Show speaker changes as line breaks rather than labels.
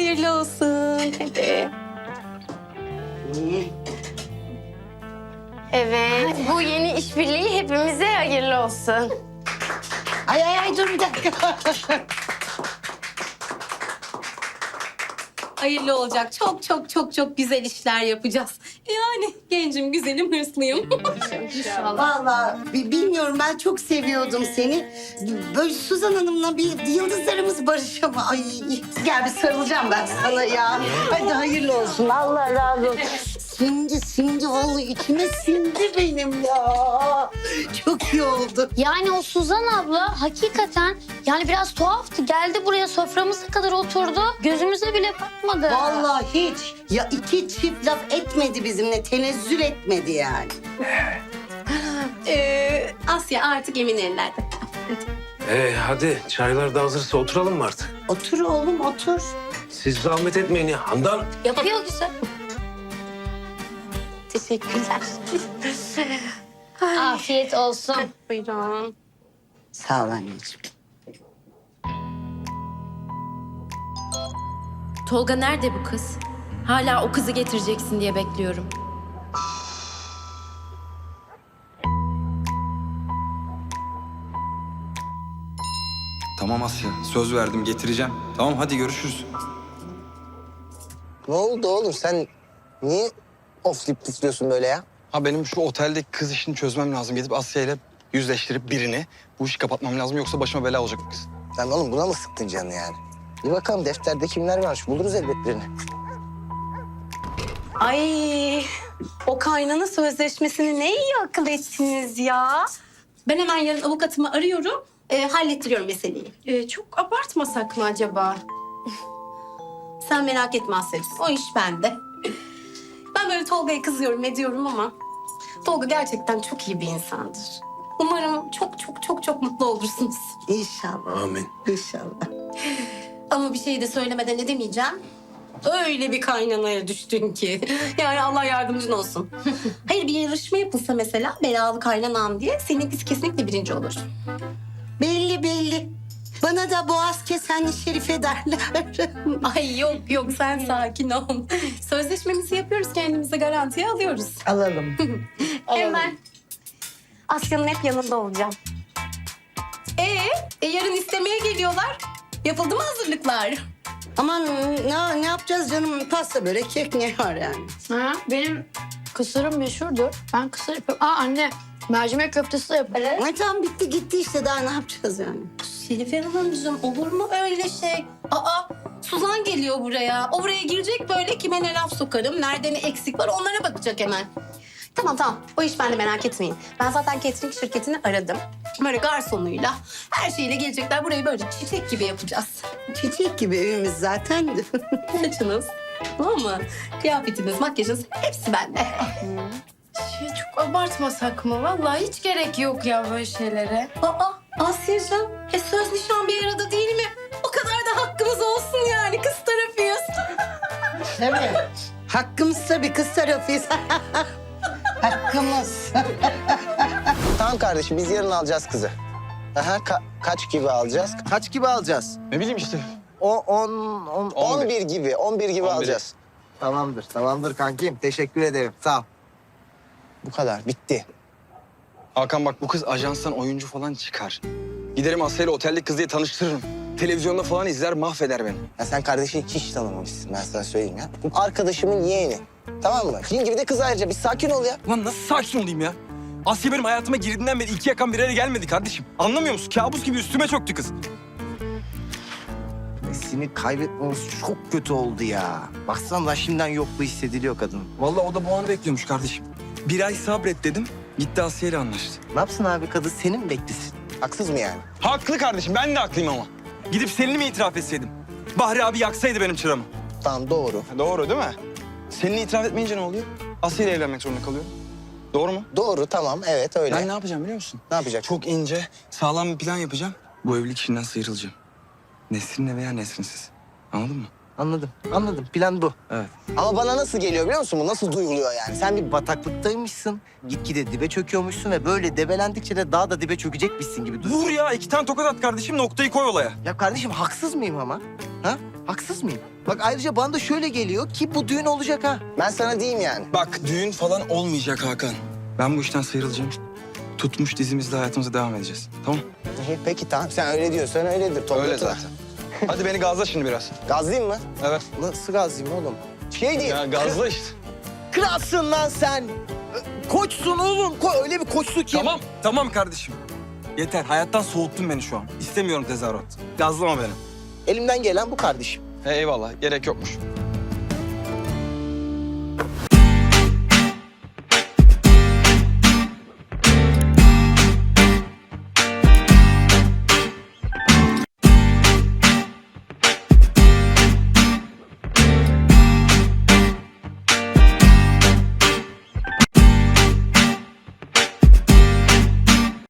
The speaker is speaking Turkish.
hayırlı olsun. Hadi.
Evet, bu yeni işbirliği hepimize hayırlı olsun.
Ay dur bir dakika.
Hayırlı olacak. Çok çok çok çok güzel işler yapacağız. Yani gencim, güzelim, hırslıyım.
Vallahi bilmiyorum, ben çok seviyordum seni. Böyle Suzan Hanım'la bir yıldızlarımız barışama. Ay gel bir sarılacağım ben sana ya. Hadi hayırlı olsun. Allah razı olsun. Sindi vallahi içime sindi benim ya. Çok iyi oldu.
Yani o Suzan abla hakikaten yani biraz tuhaftı. Geldi buraya soframıza kadar oturdu. Gözümüze bile bakmadı.
Vallahi hiç. Ya iki çift laf etmedi bizimle. Tenezzül etmedi yani.
Asya artık emin ellerde.
Hadi çaylar da hazırsa oturalım mı artık?
Otur oğlum otur.
Siz zahmet etmeyin ya. Handan.
Yapıyor güzel.
Teşekkürler.
Afiyet olsun.
Buyurun.
Sağ ol anneciğim.
Tolga nerede bu kız? Hala o kızı getireceksin diye bekliyorum.
Tamam Asya, söz verdim getireceğim. Tamam hadi görüşürüz.
Ne oldu oğlum, sen niye oflayıp püflüyorsun böyle ya?
Ha benim şu oteldeki kız işini çözmem lazım. Gidip Asya ile yüzleştirip birini bu işi kapatmam lazım. Yoksa başıma bela olacak bu kız.
Sen oğlum buna mı sıktın canını yani? Bir bakalım defterde kimler varmış, buluruz elbet birini.
Ay, o kaynana sözleşmesini ne iyi akıl ettiniz ya. Ben hemen yarın avukatımı arıyorum, hallettiriyorum meseleyi. Çok abartmasak mı acaba? Sen merak etme Asya'cığım, o iş bende. Ben böyle Tolga'ya kızıyorum ediyorum ama Tolga gerçekten çok iyi bir insandır. Umarım çok çok çok çok mutlu olursunuz.
İnşallah.
Amin.
İnşallah.
Ama bir şey de söylemeden edemeyeceğim. Öyle bir kaynanaya düştün ki. Yani Allah yardımcın olsun. Hayır, bir yarışma yapılsa mesela belalı kaynanam diye seninkisi kesinlikle birinci olur.
Belli. Bana da boğaz kesenli Şerife derler.
Ay yok yok, sen sakin ol. Sözleşmemizi yapıyoruz, kendimizi garantiye alıyoruz.
Alalım.
Hemen Asya'nın hep yanında olacağım. Yarın istemeye geliyorlar. Yapıldı mı hazırlıklar?
Aman ne yapacağız canım? Pasta, börek, kek ne var yani?
Ha, benim kısırım meşhurdur. Ben kısır yapıyorum. Anne mercimek köftesi de yaparım.
Ay tamam, bitti gitti işte, daha ne yapacağız yani?
Şerife Hanımcığım, olur mu öyle şey? Suzan geliyor buraya. O buraya girecek, böyle kime ne laf sokarım, nerede ne eksik var onlara bakacak hemen. Tamam. O iş bende, merak etmeyin. Ben zaten catering şirketini aradım. Böyle garsonuyla, her şeyle gelecekler. Burayı böyle çiçek gibi yapacağız.
Çiçek gibi evimiz zaten.
Saçınız, tamam mı? Kıyafetiniz, makyajınız hepsi bende.
Çok abartmasak mı? Vallahi hiç gerek yok ya böyle şeylere.
Asya'cığım, söz nişan bir arada değil mi? O kadar da hakkımız olsun yani, kız tarafıyız.
Değil mi? Hakkımız tabii, kız tarafıyız. Hakkımız.
Tamam kardeşim, biz yarın alacağız kızı. Aha, kaç gibi alacağız? Kaç gibi alacağız?
Ne bileyim işte.
11 gibi, 11 gibi
11'i.
alacağız.
Tamamdır kankim. Teşekkür ederim. Sağ ol.
Bu kadar, bitti.
Hakan bak bu kız ajanstan oyuncu falan çıkar. Giderim Asya ile oteldeki kız diye tanıştırırım. Televizyonda falan izler mahveder beni.
Ya sen kardeşini hiç tanımamışsın, ben sana söyleyeyim ya. Bu arkadaşımın yeğeni. Tamam mı? Senin gibi de kız ayrıca, bir sakin ol ya.
Ulan nasıl sakin olayım ya? Asya benim hayatıma girdiğinden beri iki yakan bir araya gelmedi kardeşim. Anlamıyor musun? Kabus gibi üstüme çöktü kız.
Seni kaybetmemiz çok kötü oldu ya. Baksana da şimdiden yokluğu hissediliyor kadın.
Vallahi o da bu anı bekliyormuş kardeşim. Bir ay sabret dedim. Gitti Asya ile anlaştı.
Ne yapsın abi, kadın senin mi beklesin?
Haksız mı yani?
Haklı kardeşim. Ben de haklıyım ama. Gidip Selin'i mi itiraf etseydim? Bahri abi yaksaydı benim çıramı.
Tamam, doğru.
Doğru değil mi? Selin'i itiraf etmeyince ne oluyor? Asya ile evlenmek zorunda kalıyorum. Doğru mu?
Doğru, tamam. Evet, öyle.
Ben ne yapacağım biliyor musun?
Ne yapacak?
Çok ince, sağlam bir plan yapacağım. Bu evlilik işinden sıyrılacağım. Nesrin'le veya Nesrin'siz. Anladın mı?
Anladım. Plan bu.
Evet.
Ama bana nasıl geliyor biliyor musun? Bu nasıl duyuluyor yani?
Sen bir bataklıktaymışsın. Gitgide dibe çöküyormuşsun ve böyle debelendikçe de daha da dibe çökecekmişsin gibi duruyor.
Vur ya, 2 tane tokat at kardeşim, noktayı koy olaya.
Ya kardeşim, haksız mıyım ama? Ha? Haksız mıyım? Bak ayrıca bana da şöyle geliyor ki bu düğün olacak ha.
Ben sana diyeyim yani.
Bak düğün falan olmayacak Hakan. Ben bu işten sıyrılacağım. Tutmuş dizimizle hayatımıza devam edeceğiz. Tamam?
İyi, peki tamam sen öyle diyorsan öyledir. Toplatma.
Öyle zaten. Hadi beni gazla şimdi biraz.
Gazlayayım mı?
Evet.
Nasıl gazlayayım oğlum? Şey diyeyim.
Ya gazla işte.
Kralsın lan sen. Koçsun oğlum. Öyle bir koçsun ki.
Tamam kardeşim. Yeter. Hayattan soğuttun beni şu an. İstemiyorum tezahürat. Gazlama beni.
Elimden gelen bu kardeşim.
Eyvallah. Gerek yokmuş.